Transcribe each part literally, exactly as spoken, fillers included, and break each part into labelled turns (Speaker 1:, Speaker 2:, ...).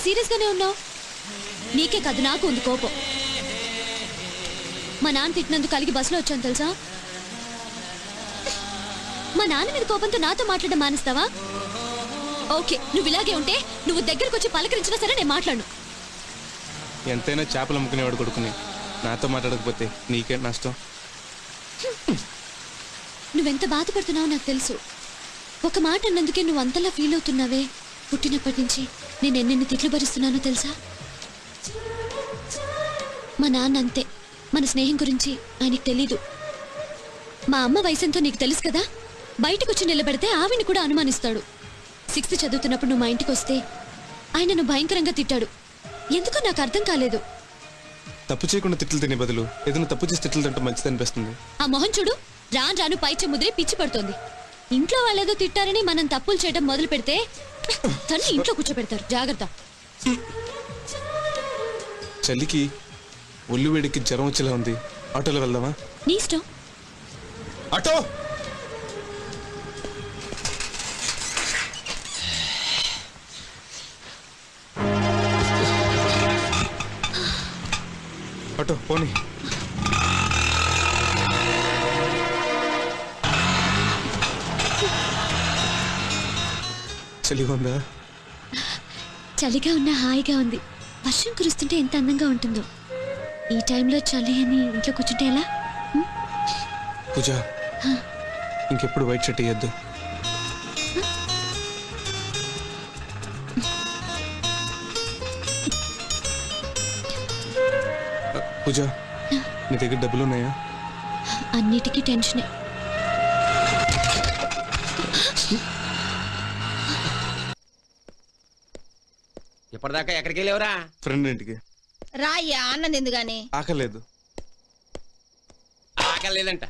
Speaker 1: Serious గానే ఉన్నావు? నీకే కాదు నాకు ఉంది కోపం. మా నాన్న తిట్టినందుకు కలిగి బస్సులో వచ్చాను తెలుసా? మా నాన్న మీద కోపంతో నాతో మాట్లాడడం మానేస్తావా? ఓకే, నువ్వు ఇలాగే ఉంటే నువ్వు దగ్గరకు వచ్చి పలకరించినా సరే నేను మాట్లాడు.
Speaker 2: ఎంతైనా చేపలు అమ్ముకునేవాడు కొడుకుని నాతో మాట్లాడకపోతే నీకే నష్టం.
Speaker 1: నువ్వెంత బాధపడుతున్నావో నాకు తెలుసు. ఒక మాట అన్నందుకే నువ్వు అంతలా ఫీల్ అవుతున్నావే. పుట్టినప్పటి నుంచి నేను ఎన్నెన్ని తిట్లు భరిస్తున్నానో తెలుసా? మా నాన్న అంతే. మన స్నేహం గురించి ఆయనకు తెలీదు. మా అమ్మ వయసెంతో నీకు తెలుసు కదా. బయటకు వచ్చి నిలబెడితే ఆవిని కూడా అనుమానిస్తాడు. సిక్స్త్ చదువుతున్నప్పుడు నువ్వు మా ఇంటికి వస్తే ఆయనను భయంకరంగా తిట్టాడు. ఎందుకో నాకు అర్థం కాలేదు.
Speaker 2: తప్పు చేయకుండా తిట్లు తినే బదులు ఏదైనా తప్పు చేసి తిట్లు తింటే మంచిది అనిపిస్తుంది.
Speaker 1: ఆ మొహం చూడు, రాను రాను పైచ ముద్రే పిచ్చి పడుతోంది. ఇంట్లో వాళ్ళేదో తిట్టారని మనం తప్పులు చేయడం మొదలు పెడితే తన్ని ఇంట్లో కూర్చోబెడతారు. జాగ్రత్త.
Speaker 2: చలికి ఒళ్ళు వేడికి జ్వరం వచ్చేలా ఉంది. ఆటోలో వెళ్దామా?
Speaker 1: నీ ఇష్టం.
Speaker 2: ఆటో ఆటో పోనీ. చలిగా ఉందా?
Speaker 1: చలిగా ఉన్నా హాయిగా ఉంది. వర్షం కురుస్తుంటే ఎంత అందంగా ఉంటుందో. ఈ టైంలో చలి అని ఇంట్లో కూర్చుంటే ఎలా?
Speaker 2: పూజ, ఇంకెప్పుడు వైట్ షర్ట్ వేయద్దు. పూజ, నీ దగ్గర డబ్బులు ఉన్నాయా?
Speaker 1: అన్నిటికీ టెన్షనే.
Speaker 3: ఇప్పటిదాకా ఎక్కడికి వెళ్ళేవరా?
Speaker 2: ఫ్రెండ్ ఇంటికి.
Speaker 4: రాయ్యా, అన్నం తిందు గాని.
Speaker 2: ఆకలేదు.
Speaker 3: ఆకలేదంట.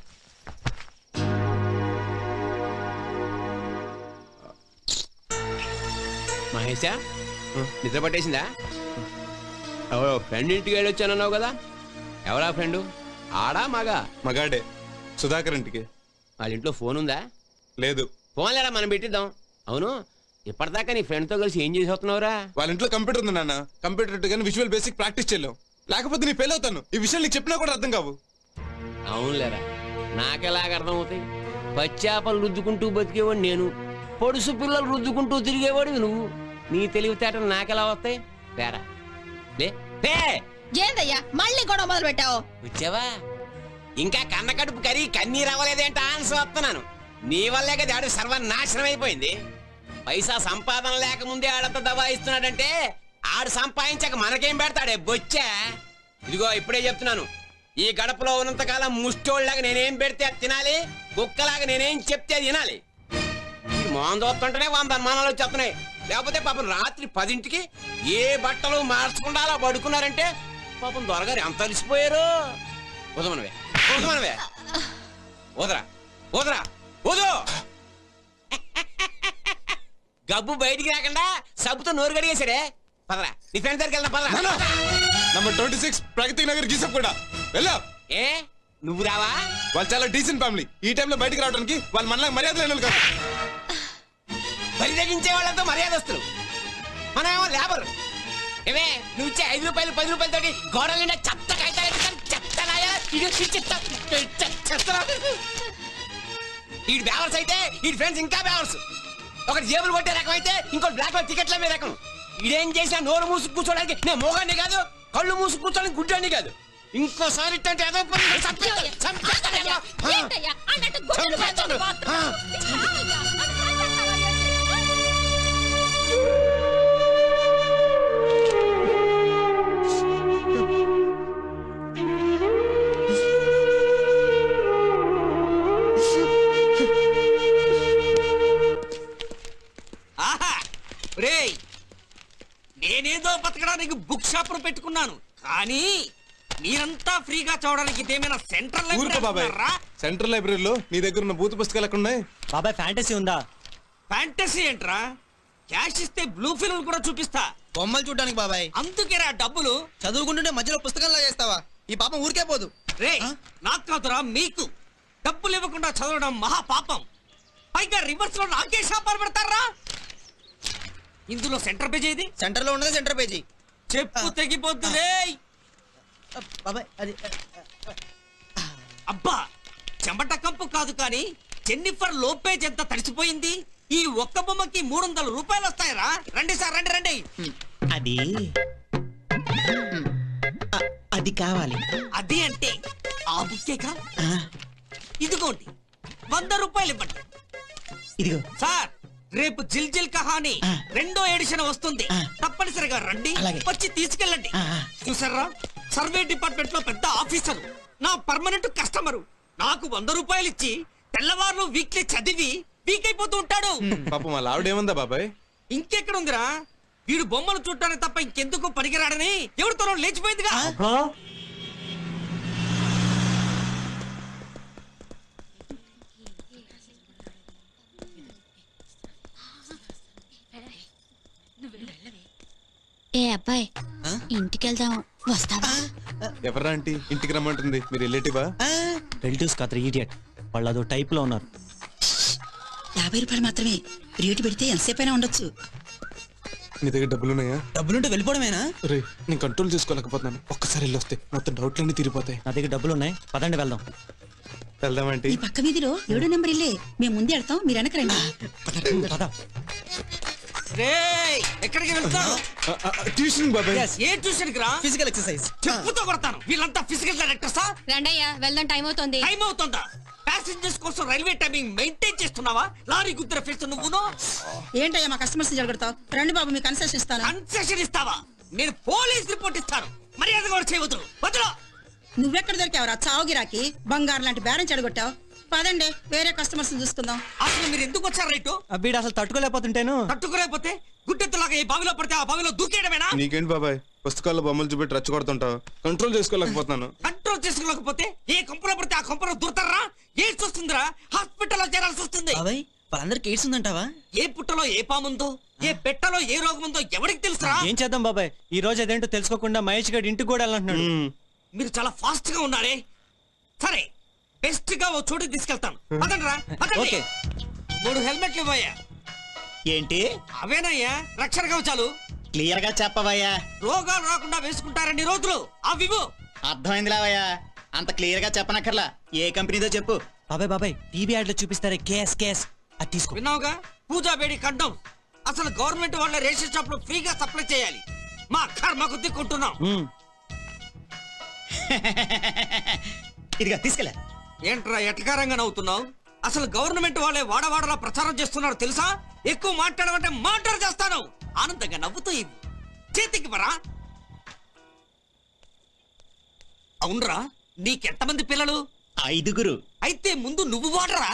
Speaker 3: మహేషా, నిద్ర పట్టేసిందా? ఎవరో ఫ్రెండ్ ఇంటికి వెళ్ళి వచ్చానన్నావు కదా. ఎవరా ఫ్రెండు? ఆడా మగా?
Speaker 2: మగాడే. సుధాకర్ ఇంటికి.
Speaker 3: వాళ్ళ ఇంట్లో ఫోన్ ఉందా?
Speaker 2: లేదు.
Speaker 3: ఫోన్ లేదా మనం పెట్టిద్దాం. అవును, ఇప్పటిదాకా నీ ఫ్రెండ్తో కలిసి ఏం చేసి వస్తున్నావురా?
Speaker 2: వాళ్ళ ఇంట్లో కంప్యూటర్ ఉంది నాన్న. కంప్యూటర్ కానీ విజువల్ బేసిక్ ప్రాక్టీస్ చేయలేం. లేకపోతే నీ ఫెయిల్ అవుతాను. ఈ విషయం నీకు చెప్పినా కూడా అర్థం కావు.
Speaker 3: అవునులేరా, నాకెలాగ అర్థం అవుతాయి? పచ్చాపలు రుద్దుకుంటూ బతికేవాడు నేను, పొడుసు పిల్లలు రుద్దుకుంటూ తిరిగేవాడు నువ్వు. నీ తెలివితేటలు నాకెలా వస్తాయి? పేరా
Speaker 4: ఏందయ్యా మళ్ళీ గొడవ మొదలు పెట్టావు?
Speaker 3: వచ్చావా? ఇంకా కన్న కడుపు కరి కన్నీరు అవ్వలేదేంట ఆన్సర్ వస్తున్నాను. నీ వల్లే కదా ఆడు సర్వనాశనం అయిపోయింది. పైసా సంపాదన లేకముందే ఆడంత దబాయిస్తున్నాడంటే ఆడు సంపాదించాక మనకేం పెడతాడే బొచ్చా? ఇదిగో ఇప్పుడే చెప్తున్నాను, ఈ గడపలో ఉన్నంతకాలం ముష్టోళ్ళలాగా నేనేం పెడితే తినాలి, కుక్కలాగా నేనేం చెప్తే తినాలి. మోహన్ చూస్తుంటేనే వంద అనుమానాలు వచ్చేస్తున్నాయి. లేకపోతే పాపం రాత్రి పదింటికి ఏ బట్టలు మార్చకుండా అలా పడుకున్నారంటే పాపం దొరగారు ఎంత అలిసిపోయారు. ఉదమనవే ఉదమనవే ఓదరా ఓదరా ఓదు. గబ్బు బయటికి రాకుండా సబ్బుతో నోరు గడిగేశాడే. పదరా, నీ ఫ్రెండ్ దగ్గరికి వెళ్దాం. పదరా.
Speaker 2: Number twenty six Pragati Nagar గీసప్ కూడా వెళ్ళా.
Speaker 3: ఏ నువ్వు రావా?
Speaker 2: వాళ్ళు చాలా డీసెంట్ ఫ్యామిలీ. ఈ టైంలో బయటకు రావడానికి వాళ్ళు మనలా మర్యాద లేని కాదు.
Speaker 3: బరి తగ్గించే వాళ్ళంతా మర్యాదస్తులు, మనమేమో లేబర్. ఏమే నువ్వు ఇచ్చే ఐదు రూపాయలు పది రూపాయలతోటి గోడల నిండా చెత్త కాగితాలు చెత్త ఈ బ్యావర్స్ అయితే ఈ ఫ్రెండ్స్ ఇంకా బ్యావర్స్. ఒకటి జేబులు కొట్టే రకం అయితే ఇంకోటి బ్లాక్ లో టికెట్ల మీద రకం. ఇదేం చేసినా నోరు మూసుకు కూర్చోడానికి నేను మోగాన్ని కాదు, కళ్ళు మూసుకు కూర్చోడానికి గుడ్డాన్ని కాదు. ఇంకోసారి ఇట్టంటే ఏదో
Speaker 5: నేనేదో బతకడానికి బుక్ షాప్ పెట్టుకున్నాను, కానీ మీరంతా ఫ్రీగా చూడడానికి ఇదేమైనా సెంట్రల్ లైబ్రరీ?
Speaker 2: సెంట్రల్ లైబ్రరీలో నీ దగ్గర ఉన్న భూత పుస్తకాలు ఎక్కడ ఉన్నాయి
Speaker 6: బాబాయ్? ఫ్యాంటసీ ఉందా?
Speaker 5: ఫ్యాంటసీ ఏంట్రా? క్యాష్ ఇస్తే బ్లూ ఫిల్మ్ కూడా చూపిస్తా.
Speaker 7: బొమ్మలు చూడడానికి బాబాయ్.
Speaker 5: అందుకేరా డబ్బులు.
Speaker 7: చదువుకుంటుంటే మధ్యలో పుస్తకంలా చేస్తావా? ఈ పాపం ఊరికే పోదు.
Speaker 5: రే నాకు కాదురా మీకు. డబ్బులు ఇవ్వకుండా చదవడం మహా పాపం. పైగా రివర్స్ లో నాకే షాపాలు పెడతారా? ఇందులో సెంటర్ పేజ్ ఏది?
Speaker 7: సెంటర్ లో ఉన్నది సెంటర్ పేజీ.
Speaker 5: చెప్పు తెగిపోతుంది.
Speaker 7: బాబాయ్ అది
Speaker 5: అబ్బా చెమట కంపు కాదు కానీ జెన్నిఫర్ లోపేజ్ ఎంత తడిసిపోయింది. ఈ ఒక్క బొమ్మకి మూడు వందల రూపాయలు వస్తాయరా. రండి సార్ రండి రండి.
Speaker 7: అది అది కావాలి.
Speaker 5: అది అంటే ఆ బుక్కేగా. ఇదిగోండి వంద రూపాయలు ఇవ్వండి.
Speaker 7: ఇదిగో
Speaker 5: సార్ రేపు జిల్ జిల్ కహాని రెండో ఎడిషన్ వస్తుంది. తప్పనిసరిగా రండి, వచ్చి తీసుకెళ్ళండి. చూసారా సర్వే డిపార్ట్మెంట్ లో పెద్ద ఆఫీసర్, నా పర్మనెంట్ కస్టమరు. నాకు వంద రూపాయలు ఇచ్చి తెల్లవారులు వీక్లీ చదివి వీక్ అయిపోతూ ఉంటాడు.
Speaker 2: పాపం వాళ్ళ ఆవిడేముందా బాబాయ్?
Speaker 5: ఇంకెక్కడ ఉందిరా, వీడు బొమ్మలు చూడటానికి తప్ప ఇంకెందుకు పనికిరాడని ఎవరితోనో లేచిపోయిందిగా.
Speaker 1: ఏ అబ్బాయి ఇంటికి వెళ్దాం వస్తావా?
Speaker 2: ఎవరా ఆంటీ ఇంటికి రమ్మంటుంది? మీరు రిలేటివా?
Speaker 6: రిలేటివ్స్ కాదు ఈడియట్, వాళ్ళు అదో టైప్ లో ఉన్నారు.
Speaker 8: యాభై రూపాయలు మాత్రమే రేటు పెడితే ఎంతసేపు అయినా ఉండొచ్చు.
Speaker 2: నీ దగ్గర డబ్బులు ఉన్నాయా?
Speaker 7: డబ్బులుంటే వెళ్ళిపోవడమేనా?
Speaker 2: రే నేను కంట్రోల్ చేసుకోలేకపోతున్నాను. ఒక్కసారి వెళ్ళి వస్తే మొత్తం డౌట్లన్నీ తీరిపోతాయి.
Speaker 6: నా దగ్గర డబ్బులు ఉన్నాయి, పదండి వెళ్దాం.
Speaker 2: వెళ్దామంటే
Speaker 8: ఈ పక్క వీధిలో ఏడో నెంబర్ ఇల్లే, మేము ముందే వెళ్తాం, మీరు వెనక రండి.
Speaker 5: రేయ్ ఎక్కడికి వెళ్తావు?
Speaker 2: ట్యూషన్ బాబాయ్.
Speaker 5: ఏ ట్యూషన్ కి రా?
Speaker 7: Physical exercise.
Speaker 5: చెప్పుతో కొడతాను. వీళ్ళంతా ఫిజికల్ డైరెక్టర్సా?
Speaker 1: రండయ్యా వెళ్దాం, టైం అవుతుంది.
Speaker 5: టైం అవుతుందా? ప్యాసింజర్స్ కోసం రైల్వే టైమింగ్ మెయింటైన్ చేస్తున్నావా? లారీ గుద్దర ఫేస్ నువ్వును.
Speaker 8: ఏంటయ్యా మా కస్టమర్స్ జరగడతావు? రండి బాబు మీకు కన్సెషన్ ఇస్తాను.
Speaker 5: కన్సెషన్ ఇస్తావా? నేను పోలీస్ రిపోర్ట్ ఇస్తాను. మర్యాద కూడా చేయవద్దు. వదలు.
Speaker 8: నువ్వెక్కడ దొరికావురా చావు గిరాకి? బంగారు లాంటి బేరం చెడగొట్టావు. పదండి వేరే కస్టమర్స్ చూసుకుందాం.
Speaker 5: అసలు మీరు ఎందుకు వచ్చారు రైటు?
Speaker 6: వీడు అసలు తట్టుకోలేకపోతుంటేను.
Speaker 5: తట్టుకురైపోతే గుడ్డెత్తలాగా ఈ బావిలో పడితే ఆ బావిలో దూకేయడమేనా?
Speaker 2: నీకేంటి బాబాయ్ పుస్తకాల్లో బొమ్మలు చూపెట్టి రెచ్చగొడుతుంటావు? కంట్రోల్ చేసుకోలేకపోతున్నాను.
Speaker 5: కంట్రోల్ చేసుకోలేకపోతే ఏ కొంపలో పడితే ఆ కొంపలో దూరతారా? ఏం చూస్తుందిరా? హాస్పిటల్లో చేరాల్సి వస్తుంది.
Speaker 7: బాబాయ్ వాళ్ళందరికి ఎయిడ్స్ ఉందంటావా?
Speaker 5: ఏ పుట్టలో ఏ పాముందో, ఏ పెట్టలో ఏ రోగం ఉందో ఎవరికి తెలుసురా?
Speaker 6: ఏం చేద్దాం బాబాయ్, ఈ రోజు అదేంటో తెలుసుకోకుండా మహేష్ గారి ఇంటికి కూడా వెళ్ళంటున్నాడు.
Speaker 5: మీరు చాలా ఫాస్ట్ గా ఉన్నారే. సరే బెస్ట్ గా ఓ చోటుకి తీసుకెళ్తాను. పదండ్రా, పదండి.
Speaker 6: ఓకే.
Speaker 5: మూడు హెల్మెట్లు ఇవ్వయ్యా.
Speaker 7: ఏంటి
Speaker 5: అవేనయ్యా రక్షణ కవచాలు.
Speaker 7: క్లియర్ గా చెప్పవయ్యా.
Speaker 5: రోగాలు రాకుండా వేసుకుంటారండి రోజులు. అవివు
Speaker 7: అర్థమైంది లేవయ్యా, అంత క్లియర్ గా చెప్పనక్కర్లా. ఏ కంపెనీదో చెప్పు.
Speaker 6: బాబాయ్ బాబాయ్ టీవీ యాడ్ లో చూపిస్తారే కేస్ కేస్ అది తీసుకో.
Speaker 5: విన్నావుగా, పూజా బేడి కండం. అసలు గవర్నమెంట్ వాళ్ళ రేషన్ షాప్ లో ఫ్రీగా సప్లై చేయాలి. మా కర్మకు దిక్కుంటున్నాం.
Speaker 6: మ్మ్.
Speaker 7: ఇదిగా తీసుకెళ్ళా.
Speaker 5: ఏంట్రా ఎటకారంగా నవ్వుతున్నావు? అసలు గవర్నమెంట్ వాళ్ళే వాడవాడలా ప్రచారం చేస్తున్నారు తెలుసా? ఎక్కువ మాట్లాడమంటే మాట్లాడు చేస్తాను. ఆనందంగా నవ్వుతూ ఇవ్వు. చేతికి పరా. అవునరా, నీకెంతమంది పిల్లలు?
Speaker 7: ఐదుగురు.
Speaker 5: అయితే ముందు నువ్వు వాడరా.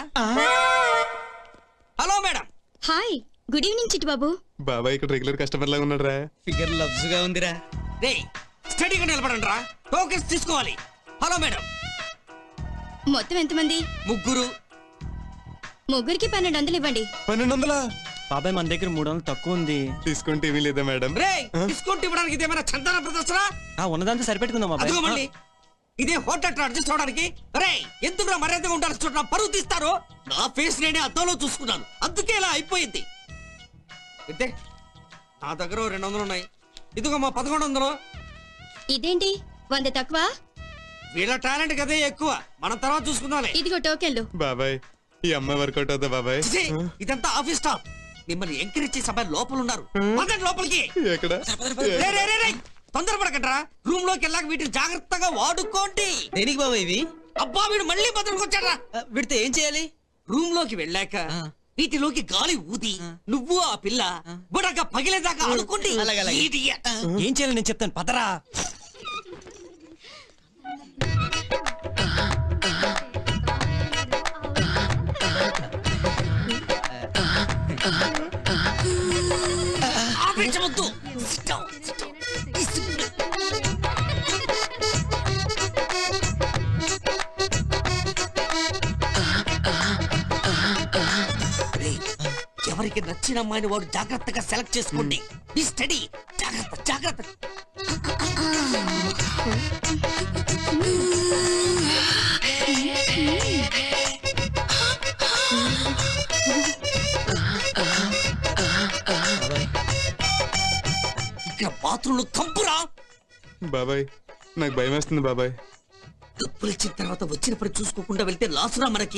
Speaker 5: Hello madam.
Speaker 1: Hi, good evening Chitti Babu.
Speaker 2: బాబాయ్ ఇక్కడ రెగ్యులర్ కస్టమర్ లాగా ఉన్నాడు రా.
Speaker 7: ఫిగర్ లవ్స్ గా ఉందిరా.
Speaker 5: రే స్టడీగా నిలబడండి రా, టోకెన్స్ తీసుకోవాలి. Hello madam.
Speaker 1: మొత్తం ఎంతమంది?
Speaker 5: ముగ్గురు.
Speaker 1: ముగ్గురికి పన్నెండు వందలు ఇవ్వండి.
Speaker 2: పన్నెండు వందలా?
Speaker 6: బాబాయ్ మన దగ్గర మూడు వందలు తక్కువ ఉంది.
Speaker 2: డిస్కౌంట్ ఏమీ లేదా మేడం?
Speaker 5: రే డిస్కౌంట్ ఇవ్వడానికి ఇదేమైనా చందన ప్రదర్శన?
Speaker 6: ఆ ఉన్నదంతా సరిపెట్టుకుందాం
Speaker 5: అదిగో
Speaker 6: బాబాయ్.
Speaker 5: మళ్ళీ ఇదే హోటల్ అడ్జస్ట్ అవడానికి. రే ఎందుకు మర్యాదగా ఉండాల్సి చూడ పరువు తీస్తారు. నా ఫేస్ నేనే అద్దంలో చూసుకున్నాను, అందుకే ఇలా అయిపోయింది. అయితే నా దగ్గర ఓ రెండు వందలు ఉన్నాయి. ఇదిగో మా పదకొండు వందలు.
Speaker 1: ఇదేంటి వంద తక్కువ?
Speaker 5: వీళ్ళ టాలెంట్ కదే ఎక్కువ, మనం తర్వాత చూసుకుందాంలే.
Speaker 1: ఇదిగో టోకెన్లు.
Speaker 2: బాబాయ్ ఈ అమ్మాయి వర్కౌట్ అవుతా బాబాయ్?
Speaker 5: ఛీ, ఇదంతా ఆఫీస్ స్టాఫ్. మిమ్మల్ని ఎంకరేజ్ చేసే అబ్బాయి లోపల ఉన్నారు. పదండి లోపలికి.
Speaker 2: ఎక్కడ?
Speaker 5: రే, రే, రే, రే. తొందరపడకండ్రా. రూమ్ లోకి వెళ్ళాక వీటిని జాగ్రత్తగా వాడుకోండి.
Speaker 7: దేనికి బాబాయ్ ఇవి?
Speaker 5: అబ్బా వీడు మళ్ళీ బదులుకొచ్చాడ్రా.
Speaker 7: వీడితే ఏం చేయాలి?
Speaker 5: రూమ్ లోకి వెళ్ళాక వీటిలోకి గాలి ఊది నువ్వు ఆ పిల్ల బుడగా పగిలేదాకా ఆడుకోండి.
Speaker 7: అలాగే, అలాగే.
Speaker 5: Idiot.
Speaker 6: ఏం చేయాలి నేను చెప్తాను పదరా.
Speaker 5: ఆపించవద్దు. Sit down, sit down. రేయ్, ఎవరికి నచ్చిన అమ్మాయిని వాడు జాగ్రత్తగా సెలెక్ట్ చేసుకోండి. ఈ స్టడీ జాగ్రత్త జాగ్రత్త. రాత్రులు కంపురా.
Speaker 2: బాబాయ్ నాకు భయం వేస్తుంది బాబాయ్.
Speaker 5: డబ్బులు ఇచ్చిన తర్వాత వచ్చినప్పుడు చూసుకోకుండా వెళ్తే లాసురా మనకి.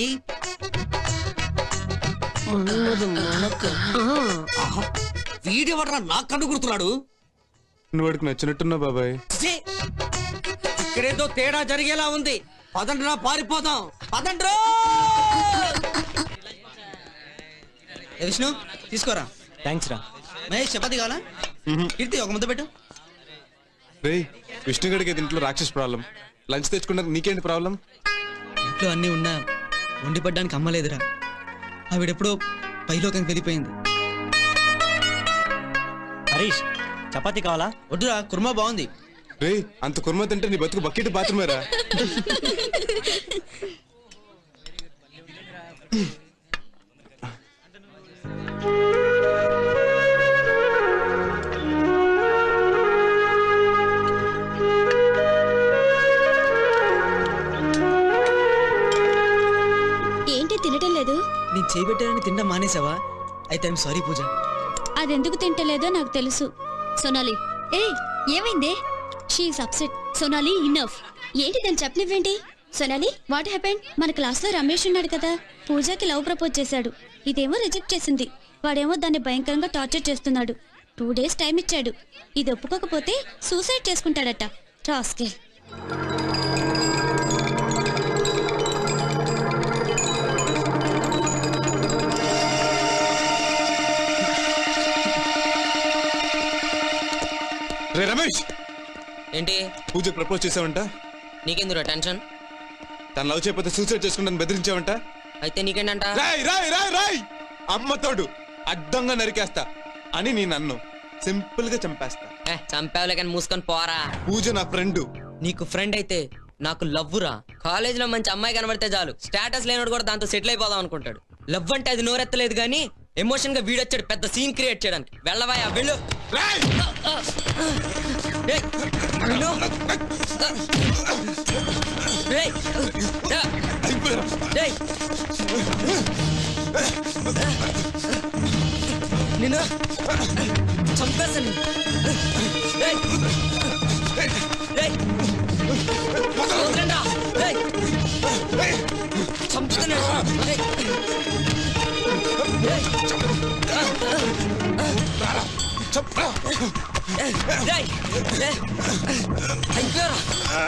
Speaker 5: ఆహా, వీడెవడ్రా నా కన్ను గుర్తున్నాడు.
Speaker 2: నువ్వు వాడికి నచ్చినట్టున్నావు బాబాయ్.
Speaker 5: ఛీ! ఇక్కడేదో తేడా జరిగేలా ఉంది. పదండ్రా పారిపోదాం. పదండ్రా.
Speaker 7: విష్ణు తీసుకోరా.
Speaker 6: థ్యాంక్స్ రా.
Speaker 7: మహేష్ చపాతి కావాలా? కీర్తి ఒక ముద్ద పెట్టు.
Speaker 2: రే విష్ణుగడికి అయితే ఇంట్లో రాక్షస్ ప్రాబ్లం. లంచ్ తెచ్చుకున్నాక నీకేంటి ప్రాబ్లం?
Speaker 7: ఇంట్లో అన్నీ ఉన్నా వండి పడ్డానికి అమ్మలేదురా. ఆవిడెప్పుడో పైలోకానికి వెళ్ళిపోయింది.
Speaker 6: హరీష్ చపాతీ కావాలా?
Speaker 7: వద్దురా, కుర్మా బాగుంది.
Speaker 2: రే అంత కుర్మ తింటే నీ బతుకు బకెట్ బాత్రూమేరా.
Speaker 1: ఏంటి తినటం లేదు?
Speaker 7: నేను చేయబెట్టానని తినడం మానేసావా? అయితే ఐఎమ్ సారీ పూజ.
Speaker 1: అదెందుకు తింటలేదో నాకు తెలుసు. సోనాలి ఏ ఏమైందే? She's upset. సోనాలి ఇన్నఫ్. ఏంటి దాన్ని చెప్పనివ్వేంటి? Sonali what happened? మన క్లాస్ లో రమేష్ ఉన్నాడు కదా, పూజకి లవ్ ప్రపోజ్ చేశాడు. ఇదేమో రిజెక్ట్ చేసింది. వాడేమో దాన్ని భయంకరంగా టార్చర్ చేస్తున్నాడు. టూ డేస్ టైం ఇచ్చాడు. ఇది ఒప్పుకోకపోతే సూసైడ్ చేసుకుంటాడట. రాస్కెల్.
Speaker 2: రే రమేష్,
Speaker 9: ఏంటి
Speaker 2: పూజకి ప్రపోజ్ చేసావంట?
Speaker 9: నీకెందురా టెన్షన్?
Speaker 2: తను లవ్ చేయకపోతే సూసైడ్ చేసుకుంటాను బెదిరించావంట?
Speaker 9: అయితే నీకేంటంట?
Speaker 2: రాయ్ రాయ్ రాయ్ రాయ్ అమ్మతోడు అడ్డంగా నరికేస్తా అని నేను అన్ను సింపుల్ గా చంపేస్తా.
Speaker 9: ఏ చంపావులే కానీ మూసుకొని పోరా.
Speaker 2: పూజ నా ఫ్రెండ్.
Speaker 9: నీకు ఫ్రెండ్ అయితే నాకు లవ్వురా. కాలేజ్ లో మంచి అమ్మాయి కనబడితే చాలు స్టేటస్ లేనోడు కూడా దాంతో సెటిల్ అయిపోదాం అనుకుంటాడు. లవ్ అంటే అది నోరెత్తలేదు కానీ ఎమోషన్ గా వీడొచ్చాడు పెద్ద సీన్ క్రియేట్ చేయడానికి. వెళ్ళవాయా వెళ్ళు.
Speaker 2: రాయ్
Speaker 9: ఏయ్, వెళ్ళు. ఏయ్, ఏయ్. నిన్ను చంపేస్తాను. ఏయ్, ఏయ్. వదలండ్రా. ఏయ్, చంపుతున్నాడు. ఏయ్. ఏయ్. ఏయ్, ఏయ్, ఏయ్. అయిపోయారా?